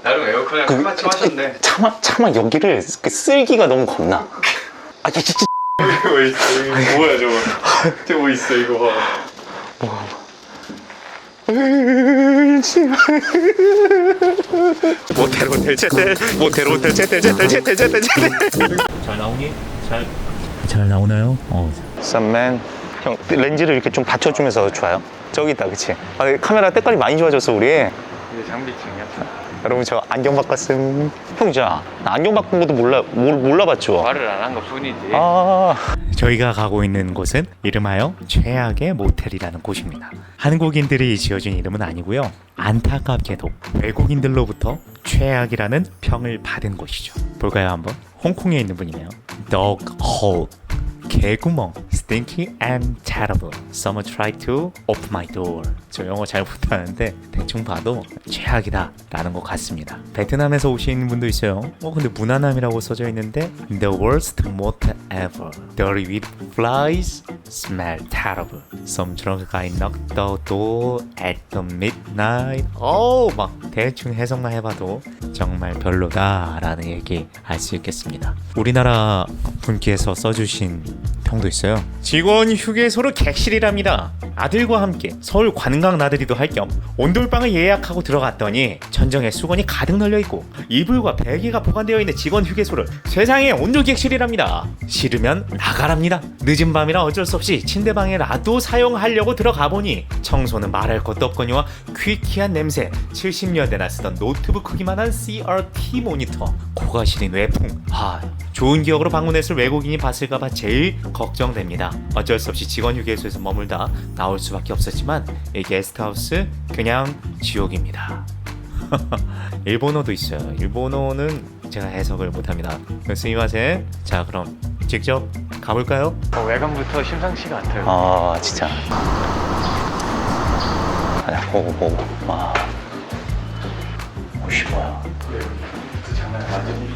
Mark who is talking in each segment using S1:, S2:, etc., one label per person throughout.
S1: 나름 에어컨이랑 끝마침 하셨네.
S2: 차마 여기를 쓸기가 너무 겁나. 아 진짜
S1: 뭐 있어? 이거 뭐야 저거? 저거 뭐 있어 이거 봐.
S2: 모텔 제텔.
S3: 잘 나오니? 잘 나오나요?
S2: 썸맨 형 렌즈를 이렇게 좀 받쳐주면서 좋아요. 저기 있다 그치? 아, 카메라 때깔이 많이 좋아졌어 우리.
S1: 이게 장비증이야.
S2: 여러분 저 안경 바꿨음. 형 진짜 나 안경 바꾼 것도 몰라봤죠?
S1: 말을 안 한 것 뿐이지.
S3: 저희가 가고 있는 곳은 이름하여 최악의 모텔이라는 곳입니다. 한국인들이 지어준 이름은 아니고요. 안타깝게도 외국인들로부터 최악이라는 평을 받은 곳이죠. 볼까요 한번? 홍콩에 있는 분이네요. Dog hole, 개구멍, stinky and terrible. Someone tried to open my door. 저 영어 잘 못하는데 대충 봐도 최악이다 라는 것 같습니다. 베트남에서 오신 분도 있어요. 근데 무난함이라고 써져 있는데 The worst motel ever. Dirty with flies, smell terrible. Some drunk guy knocked the door at the midnight. 막 대충 해석만 해봐도 정말 별로다 라는 얘기 알 수 있겠습니다. 우리나라 분께서 써주신 평도 있어요. 직원 휴게소로 객실이랍니다. 아들과 함께 서울 관광 나들이도 할 겸 온돌방을 예약하고 들어갔더니 천정에 수건이 가득 널려있고 이불과 베개가 보관되어 있는 직원 휴게소를 세상에 온돌 객실이랍니다. 싫으면 나가랍니다. 늦은 밤이라 어쩔 수 없이 침대방에라도 사용하려고 들어가 보니 청소는 말할 것도 없거니와 퀴퀴한 냄새, 70년대나 쓰던 노트북 크기만한 CRT 모니터, 코가 시린 외풍. 좋은 기억으로 방문했을 외국인이 봤을까봐 제일 걱정됩니다. 어쩔 수 없이 직원 휴게소에서 머물다 나올 수밖에 없었지만 이 게스트하우스 그냥 지옥입니다. 일본어도 있어요. 일본어는 제가 해석을 못합니다. 스미마셍. 자 그럼 직접 가볼까요?
S1: 외관부터 심상치가 않대요.
S2: 진짜. 보고. 옷이 뭐야?
S1: 장난 완전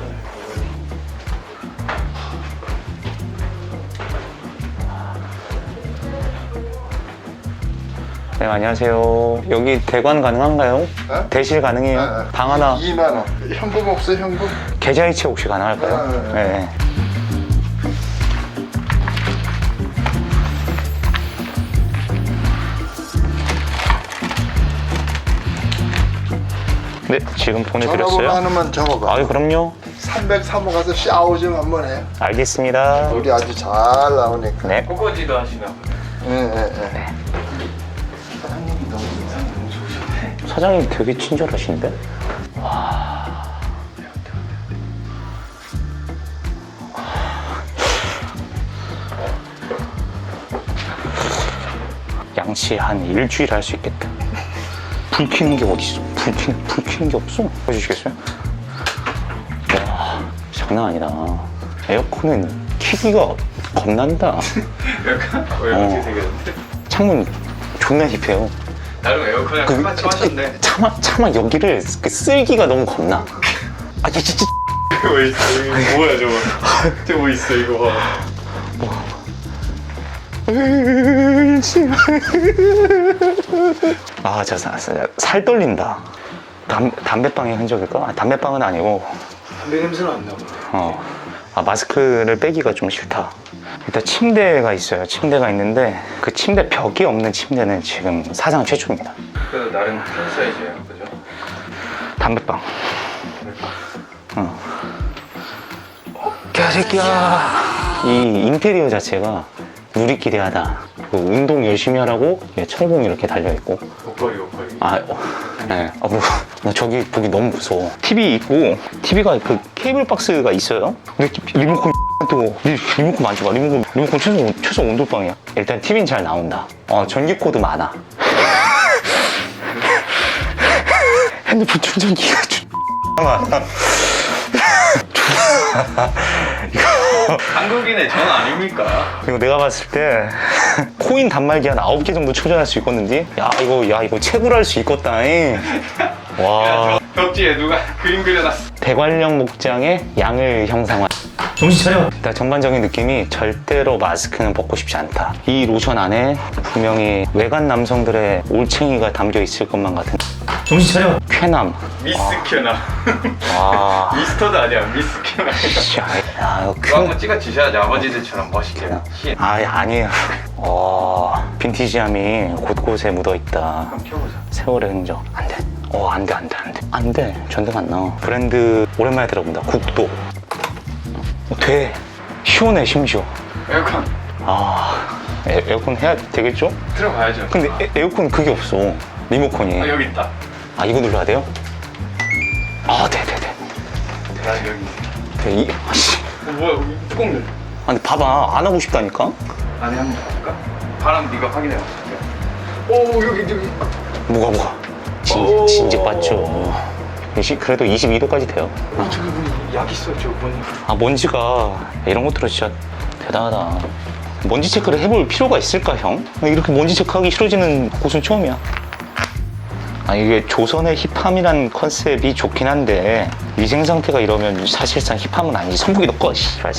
S2: 네, 안녕하세요. 여기 대관 가능한가요?
S4: 네?
S2: 대실 가능해요?
S4: 네.
S2: 방 하나
S4: 2만 원. 현금 없어요, 현금?
S2: 계좌이체 혹시 가능할까요?
S4: 네.
S2: 네, 지금
S4: 전화번호
S2: 보내드렸어요.
S4: 하나만 적어봐.
S2: 아유, 그럼요.
S4: 303호 가서 샤워 좀 한번 해.
S2: 알겠습니다.
S4: 우리 아주 잘 나오니까.
S2: 네.
S1: 꼬꼬지도 하시나 보네.
S4: 예.
S1: 사장님이 너무 인상이 너무 좋으셨네.
S2: 사장님 되게 친절하신데? 양치 한 일주일 할 수 있겠다. 불 켜는 게 어딨어? 불 켜는 게 없어. 보여주시겠어요? 와, 장난 아니다. 에어컨은 키기가 겁난다.
S1: 약간 어떻게 생겼는데?
S2: 창문 존나 힙해요.
S1: 나름 에어컨이랑 끝마침 하셨네.
S2: 차마 여기를 쓸기가 너무 겁나. 진짜.
S1: 뭐 있어? 이거 뭐야 저거? 저거 뭐 있어 이거 봐. 살 떨린다. 담배빵의 흔적일까? 담배빵은 아니고. 담배 냄새는 안 나고.
S2: 마스크를 빼기가 좀 싫다. 일단 침대가 있어요. 침대가 있는데 그 침대 벽이 없는 침대는 지금 사상 최초입니다.
S1: 그래도 나름 큰 사이즈예요, 그죠?
S2: 담배빵. 개새끼야. 이 인테리어 자체가 누리끼리하다. 운동 열심히 하라고 철봉 이렇게 달려있고.
S1: 옷걸이.
S2: 네. 나 저기 보기 너무 무서워. TV 있고, TV가 그 케이블 박스가 있어요. 근데 리모컨 또 리모컨 만져봐. 리모컨 최소 온돌방이야. 일단 TV는 잘 나온다. 전기 코드 많아. 핸드폰 충전기가 많아.
S1: 한국인의 전 아닙니까?
S2: 이거 내가 봤을 때 코인 단말기 한 9개 정도 충전할 수 있겠는데? 야 이거 채굴할 수 있겠다. 와.
S1: 벽지에 누가 그림 그려놨어.
S2: 대관령 목장의 양을 형상화.
S3: 정신 차려.
S2: 일단 전반적인 느낌이 절대로 마스크는 벗고 싶지 않다. 이 로션 안에 분명히 외간 남성들의 올챙이가 담겨 있을 것만 같은
S3: 정신 차려.
S2: 쾌남.
S1: 미스 켜나.
S2: 아,
S1: 미스터도 아니야. 미스 켜나.
S2: 씨, 아, 이거
S1: 그거 한번 찍어 주셔야지 아버지들처럼 멋있게. 시.
S2: 아니에요. 빈티지함이 곳곳에 묻어 있다.
S1: 한번 켜보자.
S2: 세월의 흔적. 안 돼. 안 돼. 전등 안 나와. 브랜드 오랜만에 들어본다. 국도. 돼. 시원해, 심지어.
S1: 에어컨
S2: 에어컨 해야 되겠죠?
S1: 들어가야죠.
S2: 근데 에어컨 그게 없어. 리모컨이.
S1: 여기 있다.
S2: 이거 눌러야 돼요? 돼.
S1: 나 여기.
S2: 아씨.
S1: 뭐야? 뚜껑 열.
S2: 근데 봐봐. 안 하고 싶다니까?
S1: 안에 한번 볼까? 바람 네가 확인해 봐. 오 여기.
S2: 뭐가.
S1: 오.
S2: 진즉 봤죠. 그래도 22도까지 돼요.
S1: 저기 뭐약 있어 저 뭐니?
S2: 먼지가 이런 것들은 진짜 대단하다. 먼지 체크를 해볼 필요가 있을까, 형? 이렇게 먼지 체크하기 싫어지는 곳은 처음이야. 이게 조선의 힙함이란 컨셉이 좋긴 한데 위생 상태가 이러면 사실상 힙함은 아니지. 선풍기 너 꺼, 씨발.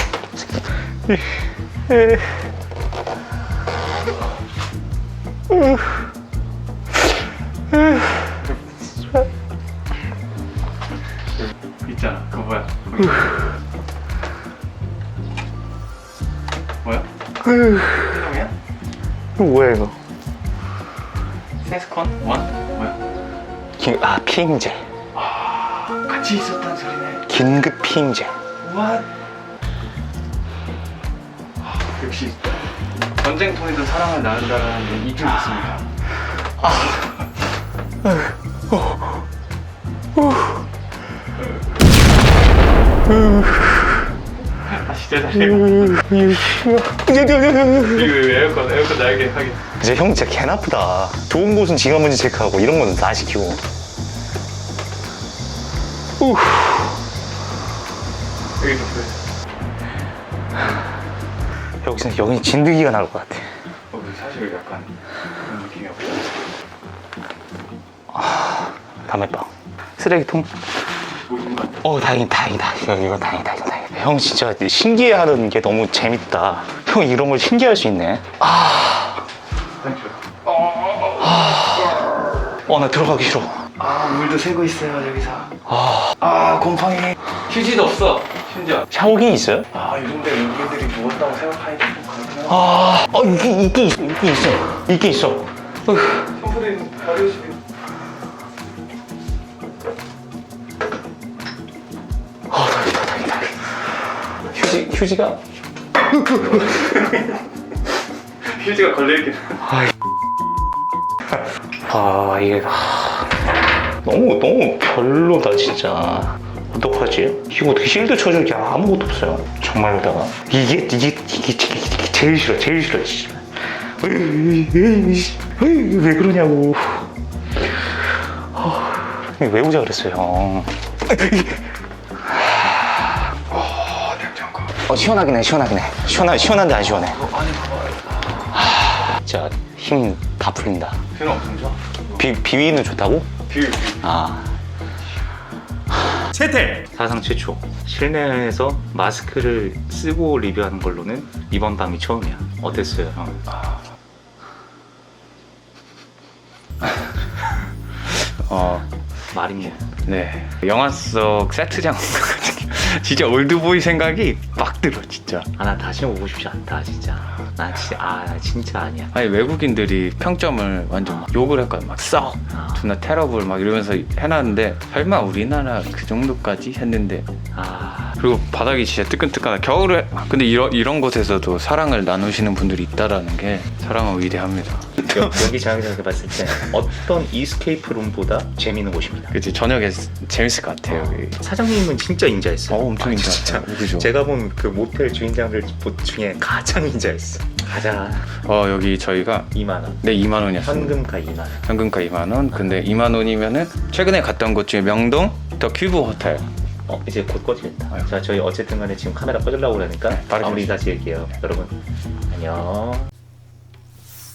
S1: 있잖아. 그거 뭐야? 뭐야? 형이야?
S2: 이거 뭐야, 이거?
S1: 세스콘? 원? 뭐야?
S2: 피임제.
S1: 같이 있었단 소리네.
S2: 긴급 피임제.
S1: What? 역시 전쟁통에도 사랑을 나눈다라는 게 이쪽 있습니다. 진짜 잘 에어컨 날개 하게.
S2: 이제 형 진짜 개 나쁘다. 좋은 곳은 지가 먼저 체크하고 이런 거는 나 시키고.
S1: 여기 좀 그래.
S2: 여기는 진드기가 나올 것 같아.
S1: 사실 약간 그런 느낌이 없어.
S2: 담배빵. 쓰레기통. 다행이다. 이거 다행이다. 형 진짜 신기해하는 게 너무 재밌다. 형 이런 걸 신기할 수 있네. 나 들어가기 싫어.
S1: 물도 새고 있어요 여기서. 곰팡이. 휴지도 없어 심지어.
S2: 샤워기 있어요?
S1: 요즘대 외국인들이 누웠다고 생각하니까 좀 그렇구나.
S2: 있게 있어.
S1: 샴푸도 발효식이.
S2: 다행이다. 휴지가
S1: 휴지가 걸려있긴.
S2: 이게 너무 별로다 진짜. 어떡하지? 이거 어떻게 실드 쳐줄 게 아무것도 없어요. 정말로다가 이게 제일 싫어 진짜. 왜 그러냐고. 왜 오자 그랬어요, 형.
S1: 냉장고.
S2: 시원하긴 해. 시원한데 안 시원해.
S1: 안에 봐봐.
S2: 진짜 힘 다 풀린다.
S1: 비는 엄청 좋아.
S2: 비위는 좋다고?
S1: 비.
S3: 채택.
S2: 사상 최초 실내에서 마스크를 쓰고 리뷰하는 걸로는 이번 밤이 처음이야. 어땠어요, 형? 말이
S1: 네. 영화 속 세트장 같은 게 진짜 올드보이 생각이 막 들어 진짜.
S2: 나 다시 오고 싶지 않다 진짜. 나 진짜 아니야.
S1: 아니 외국인들이 평점을 완전 막 욕을 했거든. 막 썩, 존나 테러블 막 이러면서 해놨는데 설마 우리나라 그 정도까지 했는데. 그리고 바닥이 진짜 뜨끈뜨끈하다. 겨울에 근데 이런 곳에서도 사랑을 나누시는 분들이 있다라는 게 사랑은 위대합니다.
S2: 여기 자기장에서 봤을 때 어떤 이스케이프 룸보다 재밌는 곳입니다.
S1: 그치 저녁에 재밌을 것 같아요. 여기.
S2: 사장님은 진짜 인자했어요.
S1: 엄청
S2: 진짜.
S1: 그죠.
S2: 제가 본 그 모텔 주인장들 중에 가장 인자했어. 가자.
S1: 여기 저희가
S2: 2만 원.
S1: 네 2만 원이었어요.
S2: 현금가 2만 원.
S1: 현금가 2만 원. 근데 2만 원이면은 최근에 갔던 곳 중에 명동 더 큐브 호텔.
S2: 이제 곧 꺼지겠다.
S1: 아유.
S2: 자, 저희 어쨌든 간에 지금 카메라 꺼주려고 그러니까
S1: 빠르게
S2: 마무리 다시 할게요. 여러분, 안녕.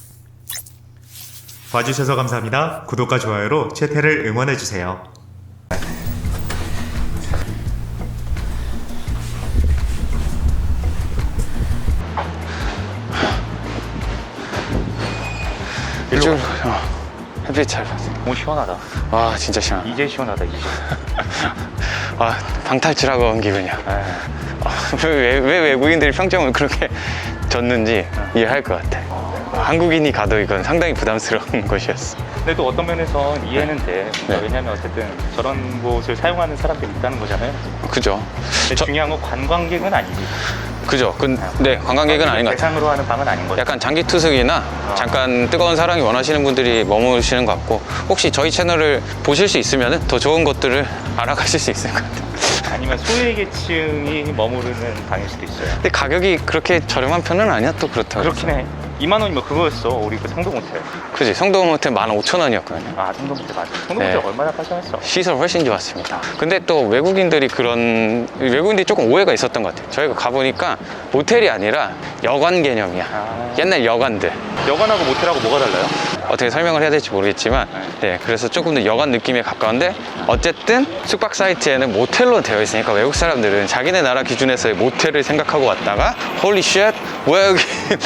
S3: 봐주셔서 감사합니다. 구독과 좋아요로 채태를 응원해주세요.
S1: 이쪽으로 햇빛 잘 봤어.
S3: 너무 시원하다.
S1: 와 진짜 시원.
S3: 이제 시원하다 이제.
S1: 아 방탈출하고 온 기분이야. 왜 외국인들이 평점을 그렇게 줬는지 이해할 것 같아. 한국인이 가도 이건 상당히 부담스러운 곳이었어.
S3: 근데 또 어떤 면에선 이해는 돼.
S1: 네.
S3: 왜냐면 어쨌든 저런 곳을 사용하는 사람들이 있다는 거잖아요.
S1: 그죠?
S3: 근데 중요한 건 관광객은 아니지.
S1: 그죠? 네, 관광객은 아닌 것 같아요.
S3: 대상으로 하는 방은 아닌 거죠.
S1: 약간 장기 투숙이나 잠깐 뜨거운 사랑이 원하시는 분들이 머무시는 것 같고, 혹시 저희 채널을 보실 수 있으면 더 좋은 곳들을 알아가실 수 있을 것 같아요.
S3: 아니면 소외 계층이 머무르는 방일 수도 있어요.
S1: 근데 가격이 그렇게 저렴한 편은 아니야. 또 그렇다고.
S3: 그렇긴 해. 2만 원이면 그거였어. 우리 그 성동 호텔.
S1: 그지? 성동 호텔 15,000원이었거든요.
S3: 아, 성동 호텔 맞아. 성동
S1: 네.
S3: 호텔 얼마나 깔끔했어.
S1: 시설 훨씬 좋았습니다. 근데 또 외국인들이 조금 오해가 있었던 것 같아요. 저희가 가보니까 모텔이 아니라 여관 개념이야.
S3: 아.
S1: 옛날 여관들.
S3: 여관하고 모텔하고 뭐가 달라요?
S1: 어떻게 설명을 해야 될지 모르겠지만, 네, 그래서 조금 더 여관 느낌에 가까운데, 어쨌든 숙박 사이트에는 모텔로 되어 있으니까 외국 사람들은 자기네 나라 기준에서의 모텔을 생각하고 왔다가 홀리 쉣 뭐야 여기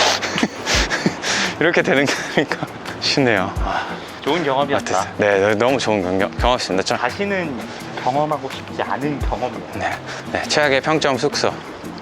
S1: 이렇게 되는 거니까 쉽네요.
S3: 좋은 경험이었다.
S1: 네, 너무 좋은 경험이었습니다.
S3: 다시는 경험하고 싶지 않은 경험이에요.
S1: 네, 최악의 평점 숙소